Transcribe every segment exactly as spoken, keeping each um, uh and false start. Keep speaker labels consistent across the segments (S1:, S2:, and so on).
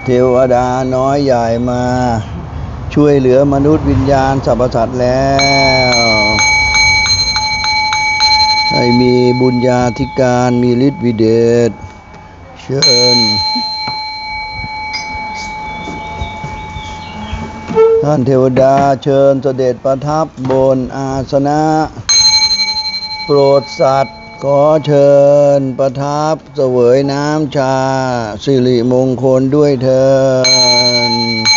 S1: เทวดาน้อยใหญ่มาช่วยเหลือมนุษย์วิญญาณสรรพสัตว์แล้วให้มีบุญญาธิการมีฤทธิ์วิเดชเชิญท่านเทวดาเชิญเสด็จประทับบนอาสนะโปรดสัตว์ขอเชิญประทับเสวยน้ำชาสิริมงคลด้วยเถิด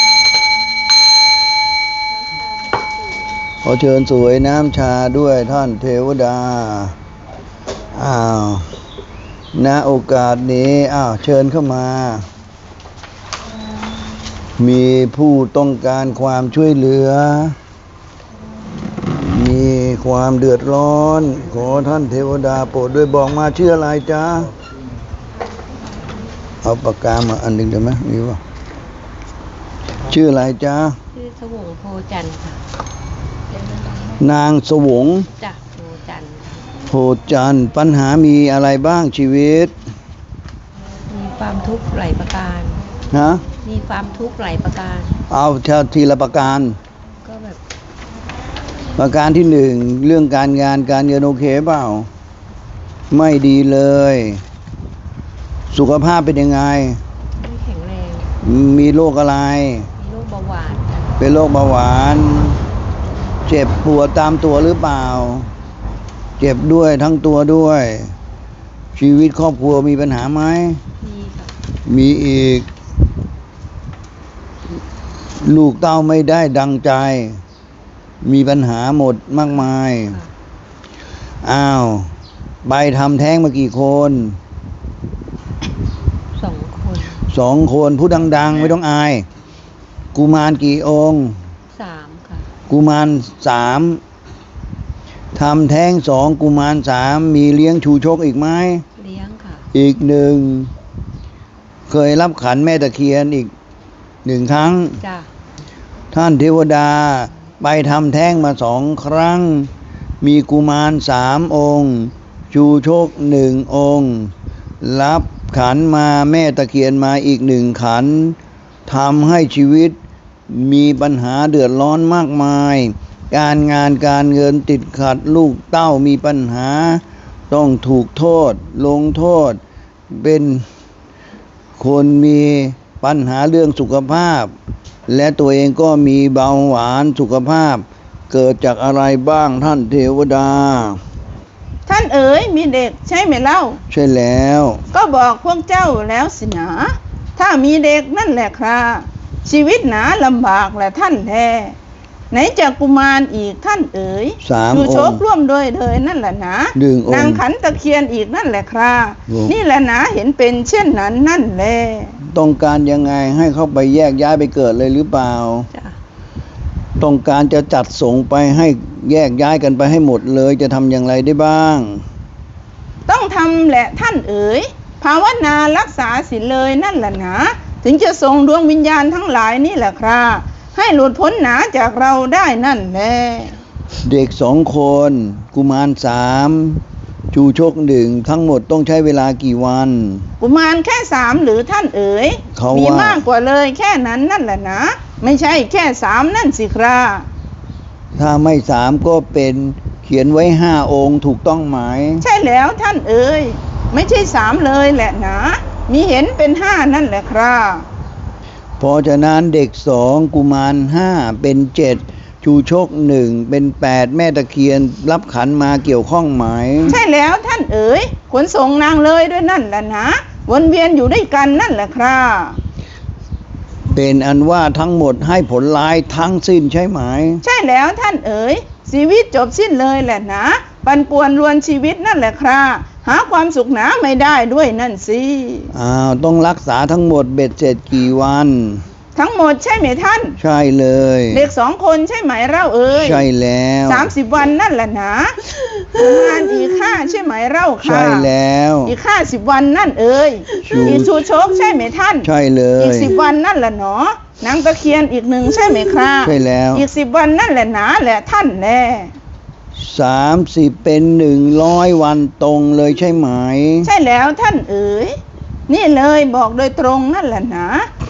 S1: ขอเชิญเสวยน้ำชาด้วยท่านเทวดาอ้าวณโอกาสนี้อ้าวเชิญเข้ามามีผู้ต้องการความช่วยเหลือมีความเดือดร้อนขอท่านเทวดาโปรดด้วยบอกมาชื่ออะไรจ๊ะเอาปากกามาอันหนึ่งได้ไหมมีวะชื่ออะไรจ๊ะ
S2: ชื่อสวงโพจันทร์ค่ะ
S1: นางสวง
S2: จ้ะโพจันทร์
S1: โพจันทร์ปัญหามีอะไรบ้างชีวิต
S2: มีความทุกข์หลายประการ
S1: ฮะ
S2: มีความทุกข์หลายประการ
S1: เอาทีละประการ
S2: ก็แบบ
S1: ประการที่หนึ่งเรื่องการงานการเงินโอเคเปล่าไม่ดีเลยสุขภาพเป็นยังไง
S2: ไม่แข็งแรง
S1: มีโรคอะไร
S2: มีโรคเบาหวาน
S1: เป็นโรคเบาหวานเจ็บปวดตามตัวหรือเปล่าเจ็บด้วยทั้งตัวด้วยชีวิตครอบครัวมีปัญหาไหม
S2: มีค่ะ
S1: มีอีกลูกเต้าไม่ได้ดังใจมีปัญหาหมดมากมายอ้าวใบทำแท้งมากี่คน
S2: สองคน
S1: สองคนพูดดังๆไม่ต้องอายกุมารกี่องค์
S2: สามค่ะ
S1: กุมารสามทำแท้งสองกุมารสามมีเลี้ยงชูชกอีกไหม
S2: เลี้ยงค่ะ
S1: อีกหนึ่งเคยรับขันแม่ตะเคียนอีกหนึ่งครั้ง
S2: จ้ะ
S1: ท่านเทวดาไปทำแท้งมาสองครั้งมีกุมารสามองค์ชูชกหนึ่งองค์รับขันมาแม่ตะเคียนมาอีกหนึ่งขันทำให้ชีวิตมีปัญหาเดือดร้อนมากมายการงานการเงินติดขัดลูกเต้ามีปัญหาต้องถูกโทษลงโทษเป็นคนมีปัญหาเรื่องสุขภาพและตัวเองก็มีเบาหวานสุขภาพเกิดจากอะไรบ้างท่านเทวดา
S3: ท่านเอ๋ยมีเด็กใช่ไหมเล่า
S1: ใช่แล้ว
S3: ก็บอกพวกเจ้าแล้วสินะถ้ามีเด็กนั่นแหละครับชีวิตหนาลำบากแหละท่านแท้ไหนจะกุมารอีกท่านเอ๋ย
S1: สามองค์
S3: ดูโชคร่วมด้วยเลยนั่นแหละนะนางขันตะเคียนอีกนั่นแหละครับนี่แหละนะเห็นเป็นเช่นนั้นนั่นแหละ
S1: ต้องการยังไงให้เขาไปแยกย้ายไปเกิดเลยหรือเปล่า
S2: จ้ะ
S1: ต้องการจะจัดส่งไปให้แยกย้ายกันไปให้หมดเลยจะทำอย่างไรได้บ้าง
S3: ต้องทำแหละท่านเอ๋ยภาวนารักษาศีลเลยนั่นแหละนะถึงจะส่งดวงวิญญาณทั้งหลายนี่แหละครับให้หลุดพ้นหนาจากเราได้นั่นแหละ
S1: เด็กสองคนกุมารสามชูชกหนึ่งทั้งหมดต้องใช้เวลากี่วัน
S3: กุมารแค่สามหรือท่านเอ๋ยมีมากกว่าเลยแค่นั้นนั่นแหละนะไม่ใช่แค่สามนั่นสิครับ
S1: ถ้าไม่สามก็เป็นเขียนไว้ห้าองค์ถูกต้องไหม
S3: ใช่แล้วท่านเอ๋ยไม่ใช่สามเลยแหละนะมีเห็นเป็นห้านั่นแหละครับ
S1: เพราะฉะนั้นเด็กสองกุมารห้าเป็นเจ็ดชูชกหนึ่งเป็นแปดแม่ตะเคียนรับขันมาเกี่ยวข้องไหม
S3: ใช่แล้วท่านเอ๋ยขนส่งนางเลยด้วยนั่นแหละนะวนเวียนอยู่ด้วยกันนั่นแหละครับ
S1: เป็นอันว่าทั้งหมดให้ผลร้ายทั้งสิ้นใช่ไหม
S3: ใช่แล้วท่านเอ๋ยชีวิตจบสิ้นเลยแหละนะปั่นป่วนรวนชีวิตนั่นแหละครับหาความสุขหนาไม่ได้ด้วยนั่นสิ
S1: อ้าวต้องรักษาทั้งหมดเบ็ดเสร็จกี่วัน
S3: ทั้งหมดใช่ไหมท่าน
S1: ใช่เลย
S3: เด็กสองคนใช่ไหมเล่าเอ๋ย
S1: ใช่แล้ว
S3: สามสิบวันนั่นแหละนะกุมารอีกห้าใช่ไหมเล่าค่ะ
S1: ใช่แล้ว
S3: อีกห้าสิบวันนั่นเอ๋ยอีกชูโชคใช่ไหมท่าน
S1: ใช่เลย
S3: อีกสิบวันนั่นแหละเนาะนางตะเคียนอีกหนึ่งใช่ไหมครับ
S1: ใช่แล้ว
S3: อีกสิบวันนั่นแหละนะแหละท่านแน่
S1: สามสิบเป็นหนึ่งร้อยวันตรงเลยใช่ไหม
S3: ใช่แล้วท่านเอ๋ยนี่เลยบอกโดยตรงนั่นแหละนะ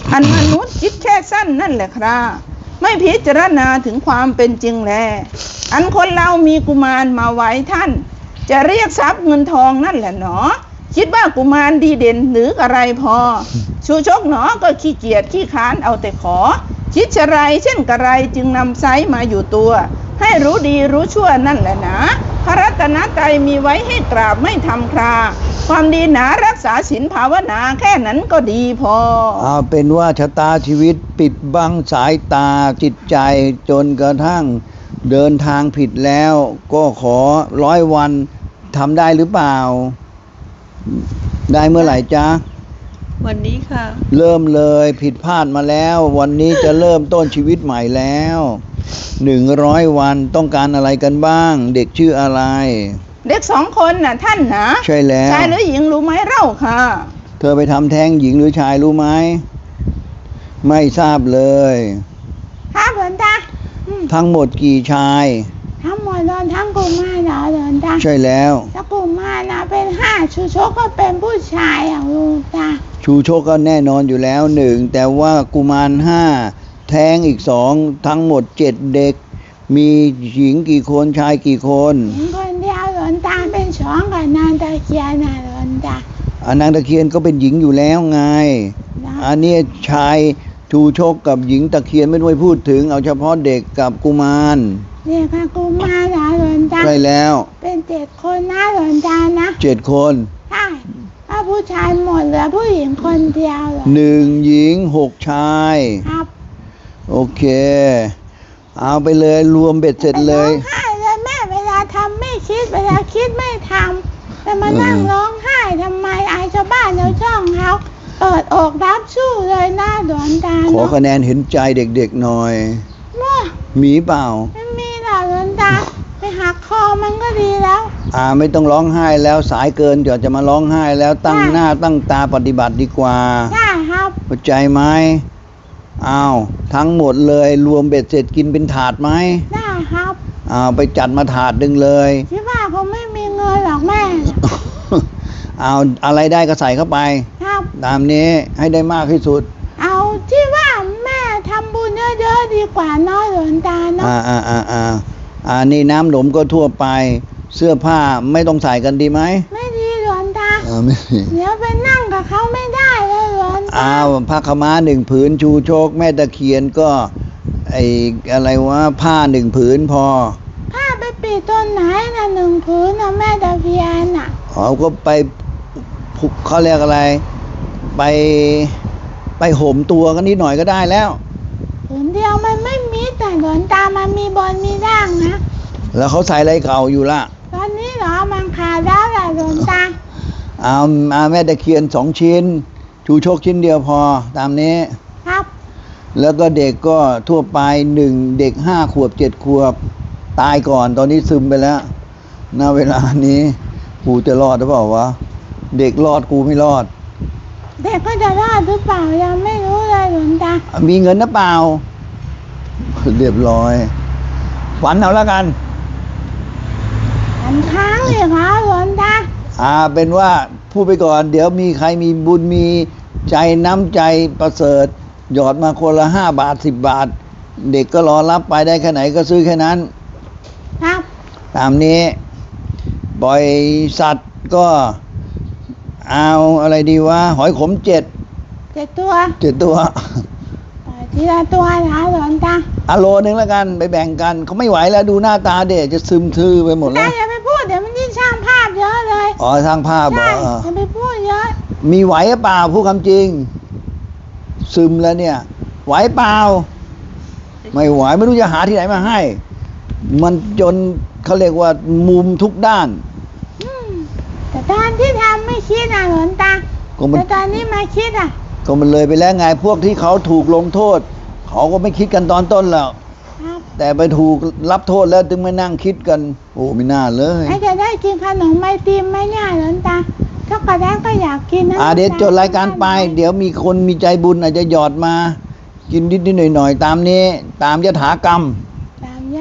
S3: อันมนุษย์คิดแค่สั้นนั่นแหละครับไม่พิจารณาถึงความเป็นจริงแลอันคนเรามีกุมารมาไว้ท่าน จะเรียกทรัพย์เงินทองนั่นแหละหนอคิดว่ากุมารดีเด่นหรืออะไรพอชูชกหนอก็ขี้เกียจขี้ค้านเอาแต่ขอคิดชะไรเช่นกระไรจึงนำไซมาอยู่ตัวให้รู้ดีรู้ชั่วนั่นแหละนะพระรัตนตรัยมีไว้ให้กราบไม่ทำคราความดีหนารักษาศีลภาวนาแค่นั้นก็ดีพอ
S1: เอาเป็นว่าชะตาชีวิตปิดบังสายตาจิตใจจนกระทั่งเดินทางผิดแล้วก็ขอร้อยวันทำได้หรือเปล่าได้เมื่อไหร่จ๊ะ
S2: วันนี้ค่ะ
S1: เริ่มเลยผิดพลาดมาแล้ววันนี้จะเริ่มต้นชีวิตใหม่แล้วหนึ่งร้อยวันต้องการอะไรกันบ้างเด็กชื่ออะไร
S3: เด็กสองคนน่ะท่านนะ
S1: ใช่แล้ว
S3: ชายหรือหญิงรู้ไหมเล่าค่ะ
S1: เธอไปทำแท้งหญิงหรือชายรู้ไหมไม่ทราบเลย
S3: ครับหลวงตา
S1: ทั้งหมดกี่ชาย
S3: ทั้งหมดโดนทั้งกุมารเหรอหลวงตา
S1: ใช่แล้ว
S3: ถ้ากุมารนะเป็นห้าชูชกก็เป็นผู้ชายอย่างหลวงตา
S1: ชูชกก็แน่นอนอยู่แล้วหนึ่งแต่ว่ากุมารห้าแท้งอีกสองทั้งหมดเจ็ดเด็กมีหญิงกี่คนชายกี่คน
S3: หญิงคนเดียวหลวงตาเป็นสองกับนางตะเคียนนะหลวงตา
S1: อันนางตะเคียนก็เป็นหญิงอยู่แล้วไงอันนี้ชายชูชกกับหญิงตะเคียนไม่ต้องพูดถึงเอาเฉพาะเด็กกับกุมาร
S3: เด็กกับกุมารนะหลวงตา
S1: ใช่แล้ว
S3: เป็นเจ็ดคนนะหลวงตานะ
S1: เจ็ดคน
S3: ใช่ถ้าผู้ชายหมดเหลือผู้หญิงคนเดียวเหรอ
S1: หนึ่งหญิงหกชาย
S3: ครับ
S1: โอเคเอาไปเลยรวมเบ็ดเสร็จเลย
S3: ร้องไห้เลยแม่เวลาทำไม่คิดเวลาคิดไม่ทำแต่มานั่งร้องไห้ทำไมอายชาวบ้านชาวช่องเขาเปิดอกรับสู้เลยหน้าดวนตา
S1: ขอคะแนนเห็นใจเด็กๆหน่อยมีเปล่า
S3: ไม่มีหรอกดวนตาไปหักคอมันก็ดีแล้ว
S1: อ่าไม่ต้องร้องไห้แล้วสายเกินเดี๋ยวจะมาร้องไห้แล้วตั้งหน้าตั้งตาปฏิบัติดีกว่า
S3: ใช่ครับ
S1: เข้าใจไหมอ้าวทั้งหมดเลยรวมเบ็ดเสร็จกินเป็นถาดไหม
S3: ได้ครับ
S1: อ้าวไปจัดมาถาดดึงเลย
S3: คิดว่าคงไม่มีเงินหรอกแม่
S1: เอาอะไรได้ก็ใส่เข้าไป
S3: ครับ
S1: ตามนี้ให้ได้มากที่สุด
S3: เอาที่ว่าแม่ทำบุญเยอะๆดีกว่าน้อยหลวงตาเนาะ
S1: อ่าอ่าอ่าอ่าอ่านี่น้ำหนมก็ทั่วไปเสื้อผ้าไม่ต้องใส่กันดีไหม
S3: ไม่ดีหลวงตา
S1: เออไม่ดี
S3: เดี๋ยวไปนั่งกับเขาไม่ได้เลยหลวงตา
S1: อ้าวผ้าขม้าหนึ่งผืนชูโชคแม่ตะเคียนก็ไออะไรวะผ้าหนึ่งผืนพอ
S3: ผ้าไปปิดต้นไหนน่ะหนึ่งผืนนะแม่ตะเคียนน่ะ
S1: อ๋อก็ไปเขาเรียกอะไรไปไปห่มตัวกันนิดหน่อยก็ได้แล้ว
S3: ผืนเดียวมันไม่มีแต่หลวงตามันมีบนมีด่างนะ
S1: แล้วเขาใส่อะไรเก่าอยู่ล่ะ
S3: ตอนนี้เหรอมันขาดแล้วแหละหลวงตา
S1: เอาเอาแม่ตะเคียนสองชิ้นชูโชคชิ้นเดียวพอตามนี้
S3: ครับ
S1: แล้วก็เด็กก็ทั่วไปหนึ่งเด็กห้าขวบเจ็ดขวบตายก่อนตอนนี้ซึมไปแล้วณเวลานี้กูจะรอดหรือเปล่าวะเด็กรอดกูไม่รอด
S3: เด็กก็จะรอดหรือเปล่ายังไม่รู้เลยหลวงตา
S1: มีเงินหรือเปล่าเรียบร้อยฝันเอาแล้วกัน
S3: ฝันค้างเลยค่ะหลวงตา
S1: อ่าเป็นว่าพูดไปก่อนเดี๋ยวมีใครมีบุญมีใจน้ำใจประเสริฐหยอดมาคนละห้าบาทสิบบาทเด็กก็รอรับไปได้แค่ไหนก็ซื้อแค่นั้น
S3: ครับ
S1: ตามนี้ปล่อยสัตว์ก็เอาอะไรดีวะหอยขมเจ็ด
S3: เจ็ดตัว
S1: เจ็ดตัว
S3: ทีละตัวนะหลวงตา
S1: อ่ะโลนึงแล้วกันไปแบ่งกันเขาไม่ไหวแล้วดูหน้าตาเด็กจะซึมทื่อไปหมดแล้ว
S3: อย่าไปพูดเดี๋ยวมันยิ่งสร้างภาพเยอะเลย
S1: อ๋อสร้างภาพเหรอ
S3: อย่าไปพูดเยอะ
S1: มีไหวหรือเปล่าพูดคำจริงซึมแล้วเนี่ยไหวเปล่าไม่ไหวไม่รู้จะหาที่ไหนมาให้มันจนเขาเรียกว่ามุมทุกด้าน
S3: แต่ตอนที่ทำไม่คิดนะหลวงตาแต่ตอนนี้มาคิดอ่ะ
S1: ก็มันเลยไปแล้วไงพวกที่เขาถูกลงโทษเขาก็ไม่คิดกันตอนต้นแล้วแต่ไปถูกรับโทษแล้วถึงไม่นั่งคิดกันโอ้ไม่น่าเลย
S3: ไอ้จะได้กินขนมไอติมไหมเนี่ยหลวงตาถ้ากระแดงก็อยากกินนะ
S1: อ่าเดี๋ยวจดรายการไปเดี๋ยวมีคนมีใจบุญอาจจะหยอดมากินนิดๆหน่อยๆตามนี้ตามยถากรรม
S3: ตามย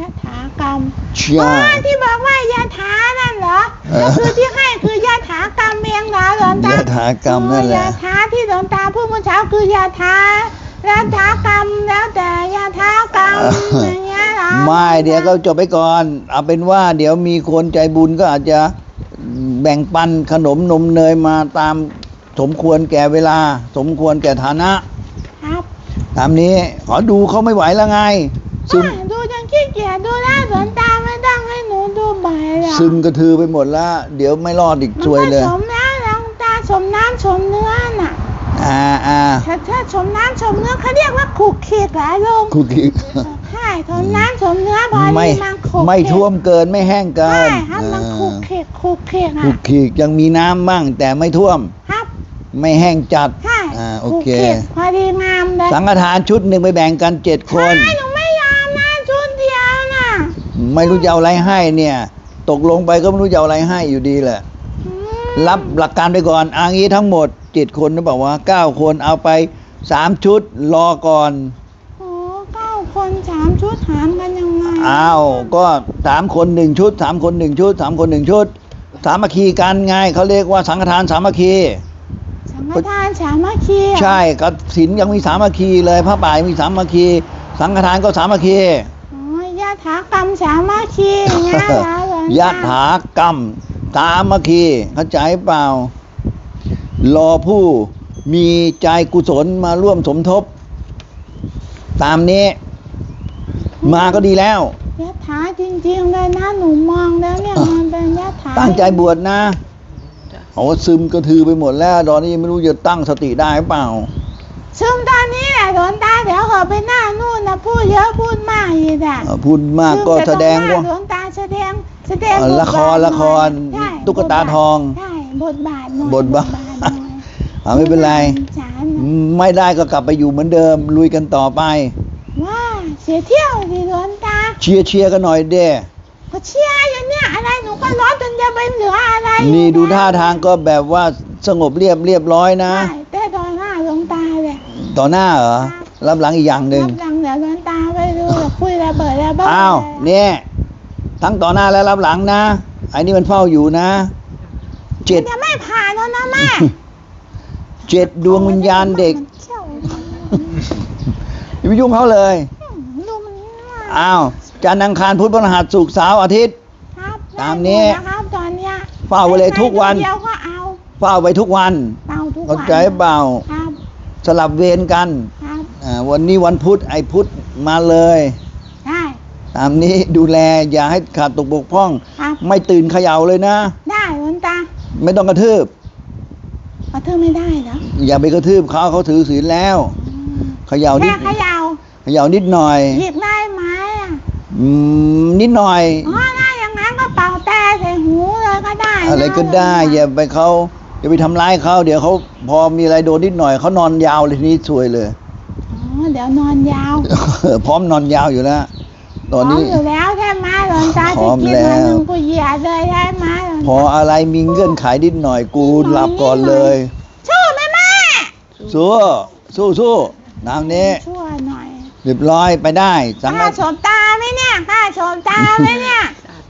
S3: ะถากรรม
S1: ใช่
S3: อ๋อที่บอกว่ายะถานั่นเหรอ
S1: เออ
S3: ก็คือที่ให้คือยะถากรรมเองเหรอหลวงตาย
S1: ะถากรรมนั่นแหละ
S3: ยะถาที่หลวงตาพูดเมื่อเช้าคือยะถายะถากรรมแล้วแต่ยะถากรรมอย่างเงี้ยเหรอ
S1: ไม่เดี๋ยวก็จบไปก่อน เอาเป็นว่าเดี๋ยวมีคนใจบุญก็อาจจะแบ่งปันขนมนมเนยมาตามสมควรแก่เวลา สมควรแก่ฐานะครับ ตามนี้ขอดูเขาไม่ไหวแล้วไง ซึม
S3: อ่ะดูจนขี้เกียจดูแล้วหลวงตาไม่ต้องให้หนูดูบ่อยหรอก
S1: ซึมกระทือไปหมดแล้ว เดี๋ยวไม่รอดอีก
S3: มัน
S1: ซวย
S3: ก็
S1: เลย
S3: ชมแล้วหลวงตาชมน้ำชมเนื้อน่ะ
S1: อ่าอ่า
S3: ถ้าถ้าชมน้ำชมเนื้อเขาเรียกว่าขูกเขียกเหรอลุง
S1: คุกกี้
S3: ใช่ชมน้ำชมเนื้อพอ
S1: ไม่
S3: ดีมันขูก
S1: ไม่ท่วมเกินไม่แห้งเกิ
S3: ใช่
S1: น
S3: ครับมัน
S1: อ่า
S3: ขูกเขียกขูกเขียก
S1: คุ
S3: อ่ะ
S1: กขีกยังมีน้ำบ้างแต่ไม่ท่วม
S3: ครับ
S1: ไม่แห้งจัด
S3: ใช่
S1: อ่าโอ
S3: ขูก
S1: เค
S3: เขียกพอดีงามเลย
S1: สังฆทานชุดหนึ่งไปแบ่งกันเจ็ดคน
S3: ใช่หนูไม่ยอมนะชุดเดียวน่ะ
S1: ไม่รู้จะเอาอะไรให้เนี่ย ตกลงไปก็ไม่รู้จะเอาอะไรให้อยู่ดีแหละ
S3: อืม
S1: รับหลักการไปก่อนอางี้ทั้งหมดเจ็ดคนนะบอกว่าเก้าคนเอาไปสามชุดรอก่อน
S3: โอ้เก้าคนสามชุดหารกันยังไง
S1: อ้าวก็สามคนหนึ่งชุดสามคนหนึ่งชุดสามคนหนึ่งชุด สามัคคีกันไงเขาเรียกว่าสังฆทานสามัคคี
S3: สังฆทานสามัคคีอ่ะ
S1: ใช่กับศีลยังมีสามัคคีเลยพระป่ายังมีสามัคคี สังฆทานก็สามัคคี
S3: อ๋อยะถากรรมสามัคคีอย่างเงี้ยเหรอหลวงต
S1: ยะถากรรมสามัคคีเข้าใจเปล่า รอผู้มีใจกุศลมาร่วมสมทบ ตามนี้ มาก็ดีแล้ว
S3: ยะถาจริงๆเลยนะหนูมองแล้วเนี่ยมันเป็นยะถา
S1: ตั้งใจบวชนะ
S2: จ้ะ
S1: โอ้ซึมกระทือไปหมดแล้ว ตอนนี้ยังไม่รู้จะตั้งสติได้หรือเปล่า
S3: ซึมตอนนี้แหละหลวงตาเดี๋ยวเขาไปหน้านู่นนะพูดเยอะพูดมากอีกอ่ะ
S1: เอ่อพูดมากก็แสดงว่า
S3: หลวงตาแสดงแสดง
S1: เอ่อบ
S3: ท
S1: ละคร
S3: บาท
S1: ละคร
S3: ใช่
S1: ตุ๊กตาทอง
S3: ใช่บทบาทหน่อย
S1: บทบาท
S3: หน่อย
S1: อ่าไม่เป็นไร
S3: สาร
S1: ไม่ได้ก็กลับไปอยู่เหมือนเดิม ลุยกันต่อไป
S3: ว่าเสียเที่ยวดิหลวงตา
S1: เชียร์เชียร์กันหน่อยเด้
S3: ก็เชียร์อยู่เนี่ยอะไรหนูก็ร้อนจนจะไปเหลืออะไรอยู่
S1: นี่ดู
S3: แล้ว
S1: ท่าทางก็แบบว่าสงบเรียบเรียบร้อยนะ
S3: ใช่แต่ตอนหน้าหลวงตาเลย
S1: ต่อหน้าเหรอ รับหลังอีกอย่างหนึ่ง
S3: รับหลังเดี๋ยวหลวงตาไปดูเดี๋ยวคุยระเบิดระเบิด
S1: อ้าว
S3: เลย
S1: เนี่ยทั้งต่อหน้าและรับหลังนะไอ้นี่มันเฝ้าอยู่นะเจ็ด
S3: จะไม่ผ่านแล้วนะแม่
S1: เจ็ดดวงวิญญาณเด็ก
S3: มันเขี้ยว
S1: อย่าไปยุ่งเขาเลย
S3: ดูมันว่า
S1: อ้าวจันทร์อังคารพุธพฤหัสศุกร์เสาร์อาทิตย์
S3: ครับ
S1: ตามนี้
S3: ได้หดนะครับตอนเนี้ย
S1: เฝ้าไว้เลยทุกวัน
S3: เดียวก็เอา
S1: เฝ้าไปทุกวัน
S3: เฝ้าทุกวัน
S1: เข้าใจเปล่า
S3: ครับ
S1: สลับเวรกัน
S3: ครับ
S1: อ่าวันนี้วันพุธไอ้พุธมาเลย
S3: ได้
S1: ตามนี้ดูแลอย่าให้ขาดตกบกพร่อง
S3: ครับ
S1: ไม่ตื่นเขย่าเลยนะ
S3: ได้หลวงตา
S1: ไม่ต้องกระทืบ
S3: กระทืบไม่ได้เหรอ
S1: อย่าไปกระทืบเขาเขาถือศีลแล้ว
S3: อืม
S1: เขย่านิ
S3: แค่
S1: ด
S3: เขย่า
S1: เขย่านิดหน่อย
S3: หยิบได้ไหมอ่ะ
S1: อืมนิดหน่อย
S3: อ๋อได้อย่างนั้นก็เป่าแต่ใส่หูเลยก็ได้น
S1: อะไรก็ได้
S3: หลวงต
S1: อย่าไปเขาอย่าไปทำร้ายเขาเดี๋ยวเขาพอมีอะไรโดนนิดหน่อยเขานอนยาวเลยทีนี้ซวยเลย
S3: อ๋อเดี๋ยวนอนยาว
S1: พร้อมนอนยาวอยู่แล้ว ตอนนี้
S3: พร้มอยู่แล้วใช่ไหมหลวงตา
S1: พร้
S3: จะ
S1: อม
S3: กิน
S1: แล้ว
S3: วันหนึ่งกูเหยียดเลยใช่ไหมหลวง
S1: พอ
S3: ตา
S1: อะไรมีเงื่อนไขนิดหน่อยกูหลับก่อนเลย
S3: สู้ไหมแม่
S1: สู้สู้สู้นางนี้
S3: ช่วยหน่อย
S1: เรียบร้อยไปได้สัง
S3: ข้า
S1: ฆ
S3: ชมตาไหมเนี่ยข้าชมตาไหมเนี่ย
S2: สาธุ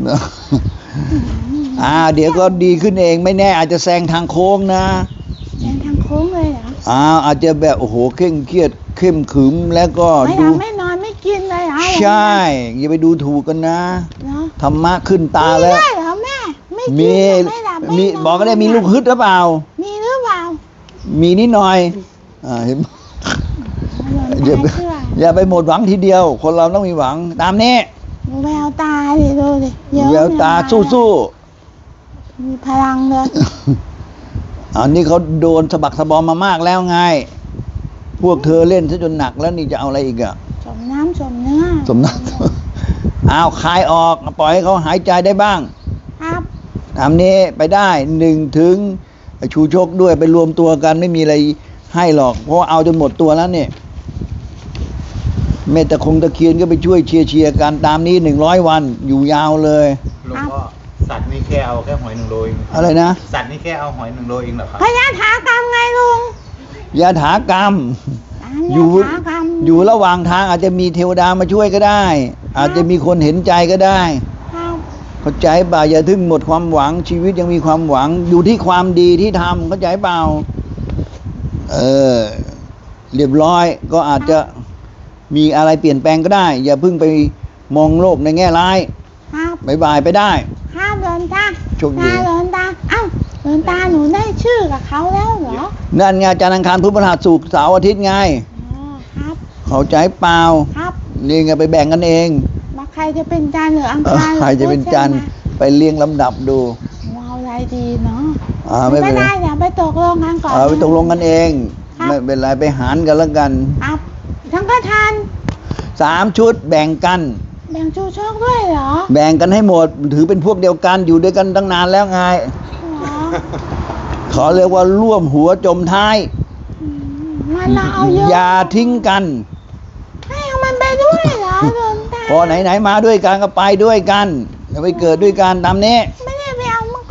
S1: อ่าเดี๋ยวก็ดีขึ้นเองไม่แน่อาจจะแซงทางโค้งนะ
S3: แทงทางโค้งเลยเหรอ
S1: อ่าอาจจะแบบโอ้โหเคร่งเครียดเข้มขรึมแล้วก็
S3: ไม่
S1: ดู
S3: ทำไม่นอนไม่กินเลยเหรอ
S1: ใช่อย่าไปดูถูกกันนะ
S3: เหรอ
S1: ธรรมะขึ้นตา
S3: มี
S1: แล้ว
S3: ได้เหรอแม่ไม่กิน
S1: มี
S3: ไม่หลับไม่
S1: มี
S3: นน
S1: บอกก็ได้มีลูกฮึดหรือเปล่า
S3: มีหรือเปล่า
S1: มีนิดหน่อยอ่าเห็น
S3: หลวง
S1: อย่า
S3: ตา
S1: ไป
S3: เชื่อ
S1: อย่าไปหมดหวังทีเดียว คนเราต้องมีหวังตามนี้
S3: ดูแววตาดิดูดิเยอะ
S1: แววตาสู้สู้
S3: มีพลังเลย
S1: ๆอันนี้เขาโดนสะบักสะบอมมามากแล้วไง พวกเธอเล่นซะจนหนักแล้วนี่จะเอาอะไรอีกอะ
S3: สมน้ำสมเนื้อ
S1: สมนัก อ้าวคลายออกปล่อยให้เขาหายใจได้บ้าง
S3: ครับ
S1: ตามนี้ไปได้หนึ่งถึงชูชกด้วยไปรวมตัวกันไม่มีอะไรให้หรอก เพราะว่าเอาจนหมดตัวแล้วเนี่ยเมตตาคงตะเคียนก็ไปช่วยเชียร์เชียร์กันตามนี้หนึ่งร้อยวันอยู่ยาวเลย
S4: หลวงพ่อสัตว์นี่แค่เอาแค่หอยหนึ่งโลเอง
S1: อะไรนะ
S4: สัตว์นี่แค่เอาหอยหนึ่งโลเองเหรอครับ
S3: พยาถากรรมไงลุง
S1: ยาถากรรม
S3: ถ
S5: ตาม
S1: อยู่
S5: ยถากรรม
S1: อยู่ระหว่างทางอาจจะมีเทวดามาช่วยก็ได้ อาจจะมีคนเห็นใจก็ได้
S5: ครับ
S1: เข้าใจเปล่าอย่าถึงหมดความหวังชีวิตยังมีความหวังอยู่ที่ความดีที่ทำเข้าใจเปล่าเออเรียบร้อยก็อาจจะมีอะไรเปลี่ยนแปลงก็ได้ อย่าเพิ่งไปมองโลกในแง่ร้าย
S5: ครับ
S1: บายบายไปได้
S5: ครับหลวงตา
S1: โชคดี
S5: ตาหลวงตาเอ้าหลวงตาหนูได้ชื่อกับเขาแล้วเหรอ
S1: นั่นไงจันทร์อังคารพุธพฤหัสศุกร์เสาร์อาทิตย์ไง
S5: อ๋อครับ
S1: เข้าใจเปล่า
S5: ครับ
S1: นี่ไงไปแบ่งกันเอง
S5: มาใครจะเป็นจันทร์หรืออัง
S1: เออ
S5: คาร
S1: ใครจะเป็นจันทร์ไปเรียงลำดับดู
S5: ว้าวอะไรดีเนาะ
S1: อ่าไม่
S5: ไม่
S1: เป็นไร
S5: ได้เดี๋ยวไปตกลงกันก่อน
S1: เอาไปตกลงกันเอง
S5: ครับ
S1: ไม่เป็นไรไปหารกันแล้วกัน
S5: ครับทั้งกทาน
S1: สามชุดแบ่งกัน
S5: แบ่งชูโชคด้วยเหรอ
S1: แบ่งกันให้หมด ถือเป็นพวกเดียวกันอยู่ด้วยกันตั้งนานแล้วไง
S5: เหรอ
S1: ขอเรียกว่าร่วมหัวจมท้าย
S5: อืมมันเราเอาเยอะ
S1: อย่าทิ้งกัน
S5: ให้เอามันไปด้วยเหรอหลวงตา
S1: พอไหนๆมาด้วยกันก็ไปด้วยกันอย่าไปเกิดด้วยกันตามนี้
S5: ไม่ได้ไปเอามันก็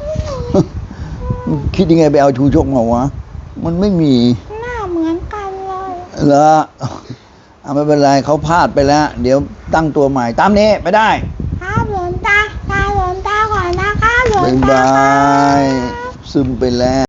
S1: คิดยังไงไปเอาชูชกมาวะมันไม่มี
S5: หน้าเหมือนกันเลย
S1: เหรอเอาไม่เป็นไรเขาพลาดไปแล้ว เดี๋ยวตั้งตัวใหม่ตามนี้ไปได้
S5: ครับหลวงตาตาหลวงตาก่อนนะครับหลวง
S1: บ๊าย
S5: ตา
S1: บา
S5: ครับ
S1: ยซึมไปแล้ว